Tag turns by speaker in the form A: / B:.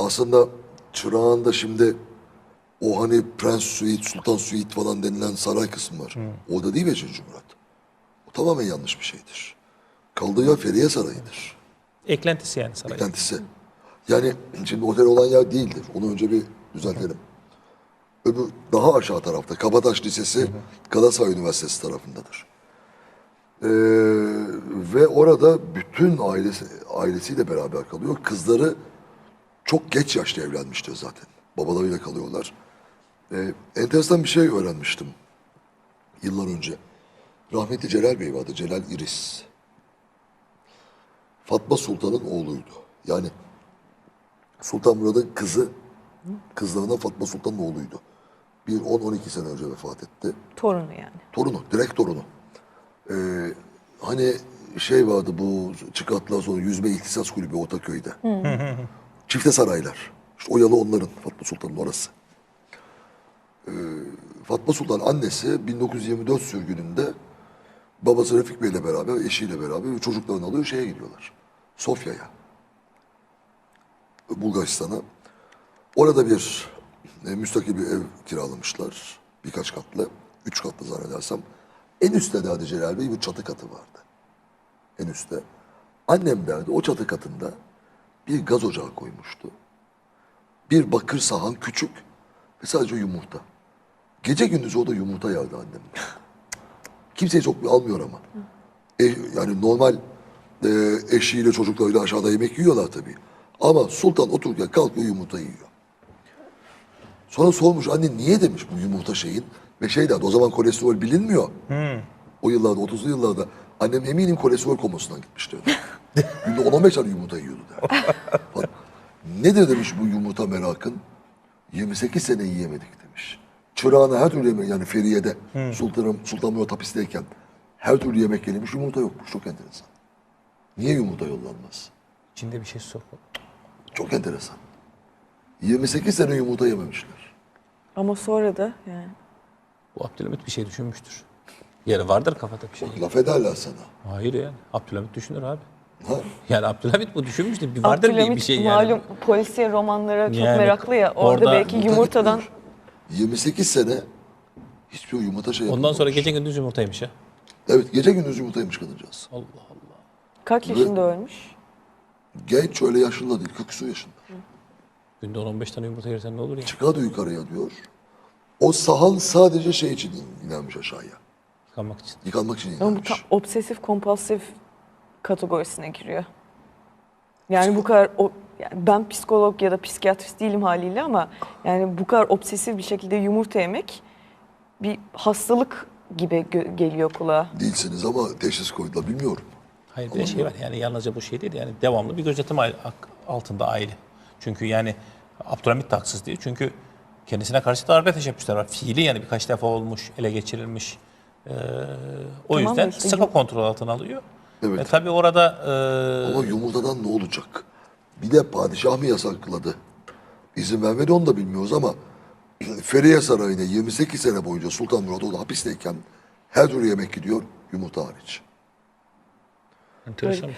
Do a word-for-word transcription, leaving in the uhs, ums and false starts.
A: aslında Çırağan'da şimdi o hani Prens Suite, Sultan Suite falan denilen saray kısmı var. Orada değil beşinci Murat. O tamamen yanlış bir şeydir. Kaldığı yer Feriye Sarayı'dır.
B: Eklentisi yani saray.
A: Beklentisi. Yani şimdi otel olan yer değildir. Onu önce bir düzeltelim. Öbür daha aşağı tarafta Kabataş Lisesi, Galatasaray Üniversitesi tarafındadır. Ee, ve orada bütün ailesi ailesiyle beraber kalıyor. Kızları çok geç yaşta evlenmiştir zaten. Babalarıyla kalıyorlar. Ee, enteresan bir şey öğrenmiştim yıllar önce. Rahmetli Celal Bey vardı, Celal İris. Fatma Sultan'ın oğluydu. Yani Sultan Murad'ın kızı, kızlarından Fatma Sultan'ın oğluydu. Bir on on iki sene önce vefat etti.
C: Torunu yani.
A: Torunu, direkt torunu. Ee, hani şey vardı bu çıkarttılar sonra Yüzme İhtisas Kulübü Ortaköy'de. Çifte saraylar. İşte o yalı onların, Fatma Sultan'ın orası. Ee, Fatma Sultan annesi bin dokuz yüz yirmi dört sürgününde babası Refik Bey'le beraber, eşiyle beraber çocuklarını alıyor şeye gidiyorlar. Sofya'ya. Bulgaristan'a. Orada bir e, müstakil bir ev kiralamışlar. Birkaç katlı. Üç katlı zannedersem. En üstte derdi Celal Bey bir çatı katı vardı. En üstte. Annem derdi o çatı katında bir gaz ocağı koymuştu. Bir bakır sahan küçük ve sadece yumurta. Gece gündüz o da yumurta yerdi annem. Kimseyi çok almıyor ama. E, yani normal e, eşiyle çocuklarıyla aşağıda yemek yiyorlar tabii. Ama sultan otururken kalkıyor yumurta yiyor. Sonra sormuş anne niye demiş bu yumurta şeyin. Ve şey derdi o zaman kolesterol bilinmiyor. Hmm. O yıllarda otuzlu yıllarda annem eminim kolesterol komasından gitmişti. Günde on on beş tane yumurta yiyordu der. Nedir demiş bu yumurta merakın? yirmi sekiz sene yiyemedik demiş. Çırağına her türlü yemek yani Feriye'de hmm. Sultan, Sultan Murat hapisteyken her türlü yemek yenilmiş yumurta yokmuş. Çok enteresan. Niye yumurta yollanmaz?
B: İçinde bir şey sok.
A: Çok enteresan. yirmi sekiz sene yumurta yememişler.
C: Ama sonra da yani.
B: Bu Abdülhamit bir şey düşünmüştür. Yani vardır kafada bir şey.
A: Laf ederler sana.
B: Hayır yani. Abdülhamit düşünür abi.
A: Ha?
B: Yani Abdülhamit bu düşünmüştür. Bir vardır bir, bir şey yani.
C: Malum polisiye romanlara çok
B: Yani
C: meraklı ya. Orada,
B: orada
C: belki
A: Yumurta
C: yumurtadan
A: gitmiyor. yirmi sekiz sene hiçbir yumurta şey
B: Ondan
A: yapılmamış.
B: sonra gece gündüz yumurtaymış ya.
A: Evet gece gündüz yumurtaymış kadıncağız.
B: Allah Allah.
C: kaç yaşında ölmüş?
A: Genç öyle yaşında değil kırk küsur yaşında.
B: Günde on on beş tane yumurta yersen ne olur ya?
A: Çıkardı yukarıya diyor. O sahan sadece şey için inanmış aşağıya.
B: Yıkanmak için.
A: Yıkanmak için
C: Ama bu
A: inanmış.
C: tam obsesif kompulsif kategorisine giriyor. Yani bu kadar o, yani ben psikolog ya da psikiyatrist değilim haliyle ama yani bu kadar obsesif bir şekilde yumurta yemek bir hastalık gibi gö- geliyor kulağa.
A: Değilsiniz ama teşhis koydular bilmiyorum.
B: Hayır bir de şey var yani yalnızca bu şey değil yani devamlı bir gözetim aile- altında aile. Çünkü yani Abdülhamit de haksız değil. Çünkü kendisine karşı darbe teşebbüsler var. Fiili yani birkaç defa olmuş, ele geçirilmiş. Ee, o
C: Tamam
B: yüzden
C: işte
B: sıkı
C: yum-
B: kontrol altına alıyor.
A: Evet.
B: E, tabii orada e,
A: Ama yumurtadan ne olacak? Bir de padişah mı yasakladı? İzin vermedi onu da bilmiyoruz ama Feriye Sarayı'na yirmi sekiz sene boyunca Sultan Murat orada hapisteyken her türlü yemek gidiyor yumurta hariç.
B: enteresan.